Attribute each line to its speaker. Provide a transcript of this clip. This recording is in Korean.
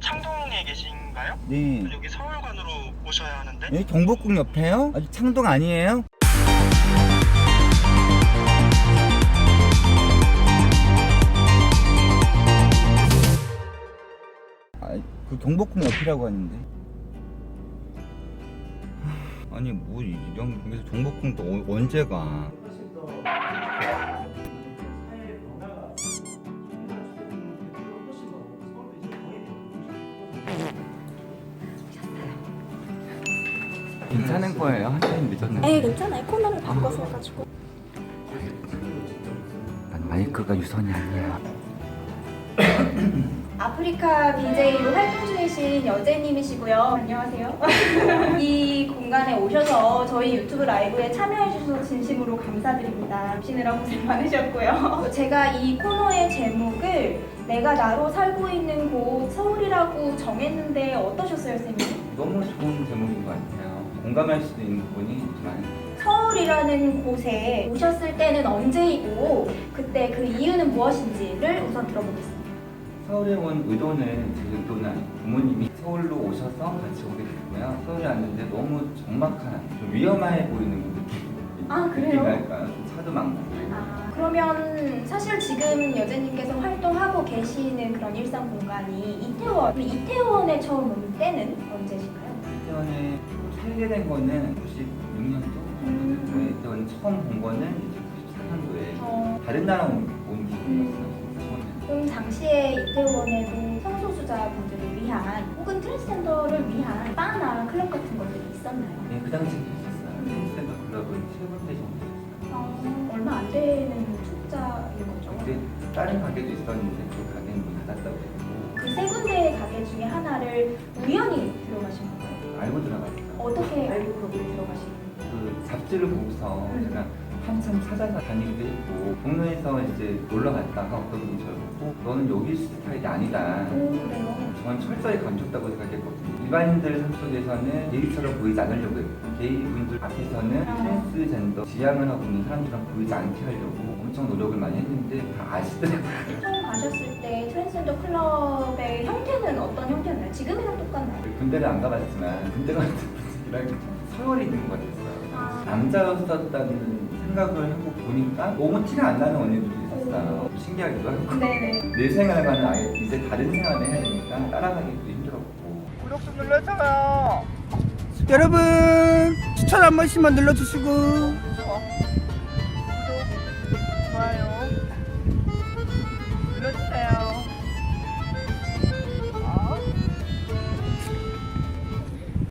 Speaker 1: 창동에 계신가요?
Speaker 2: 네.
Speaker 1: 여기 서울관으로 오셔야 하는데.
Speaker 2: 여기 경복궁 옆에요? 아직 창동 아니에요? 아, 그 경복궁 옆이라고 하는데. 아니 뭐 이런 여기서 경복궁 또 언제 가? 괜찮은 거예요? 한참 늦었는데.
Speaker 3: 네, 괜찮아요. 코너를 바꿔서 해가지고.
Speaker 2: 난 마이크가 유선이 아니야.
Speaker 3: 아프리카 BJ로 활동 중이신 여제님이시고요. 안녕하세요. 이 공간에 오셔서 저희 유튜브 라이브에 참여해주셔서 진심으로 감사드립니다. 오시느라 고생 많으셨고요. 제가 이 코너의 제목을 내가 나로 살고 있는 곳 서울이라고 정했는데 어떠셨어요, 쌤이?
Speaker 2: 너무 좋은 제목인 것 같아요. 공감할 수도 있는 부분이 있지만
Speaker 3: 서울이라는 곳에 오셨을 때는 언제이고 그때 그 이유는 무엇인지를 우선 들어보겠습니다.
Speaker 2: 서울에 온 의도는 제 의도는 아니고 부모님이 서울로 오셔서 같이 오게 됐고요. 서울에 왔는데 너무 적막한, 좀 위험해 보이는 느낌.
Speaker 3: 아, 그래요?
Speaker 2: 느낌이랄까요? 좀 차도 많고.
Speaker 3: 아, 그러면 사실 지금 여제님께서 활동하고 계시는 그런 일상 공간이 이태원. 이태원에 처음 온 때는 언제신가요?
Speaker 2: 이태원에 살게 된 거는 96년도. 이태원 처음 본 거는 이제 94년도에 다른 나라 온 기분이었어요.
Speaker 3: 그럼 당시에 이태원에도 성소수자분들을 위한 혹은 트랜스젠더를 위한 바나 클럽 같은 것들이 있었나요?
Speaker 2: 네, 그 당시에 있었어요. 트랜스젠더 클럽은 3군데 정도 있었어요.
Speaker 3: 얼마 안 되는 숫자인 거죠?
Speaker 2: 그때 다른 가게도 있었는데 그 가게는 문 닫았다고 했고
Speaker 3: 그 세 군데의 가게 중에 하나를 우연히 들어가신 건가요?
Speaker 2: 알고 들어갔어요.
Speaker 3: 어떻게 알고 거기에 들어가신 거예요?
Speaker 2: 그 잡지를 보고서 제가 한참 찾아서 다니기도 했고 동네에서 이제 놀러 갔다가 어떤 분이 저를 보고 너는 여기 스타일이 아니다.
Speaker 3: 그래요?
Speaker 2: 저는 철저히 감췄다고 생각했거든요. 일반인들 삶 속에서는 게이처럼 보이지 않으려고 했고 게이분들 앞에서는 트랜스젠더 지향을 하고 있는 사람들처럼 보이지 않게 하려고 엄청 노력을 많이 했는데 다 아시더라고요.
Speaker 3: 처음 가셨을 때 트랜스젠더 클럽의 형태는 어떤 형태였나요? 지금이랑 똑같나요?
Speaker 2: 군대를 안 가봤지만 군대 같은 분들이랑 서열이 있는 것 같았어요. 남자였었다는 생각을 하고 보니까 너무 티가 안 나는 언니들이 있었어요. 신기하기도 하고
Speaker 3: 네네.
Speaker 2: 내 생활과는 아예 이제 다른 생활을 해야 되니까 따라가기도 힘들었고. 구독 좀 눌러줘요.
Speaker 4: 여러분 추천 한 번씩만 눌러주시고
Speaker 2: 구독, 좋아요.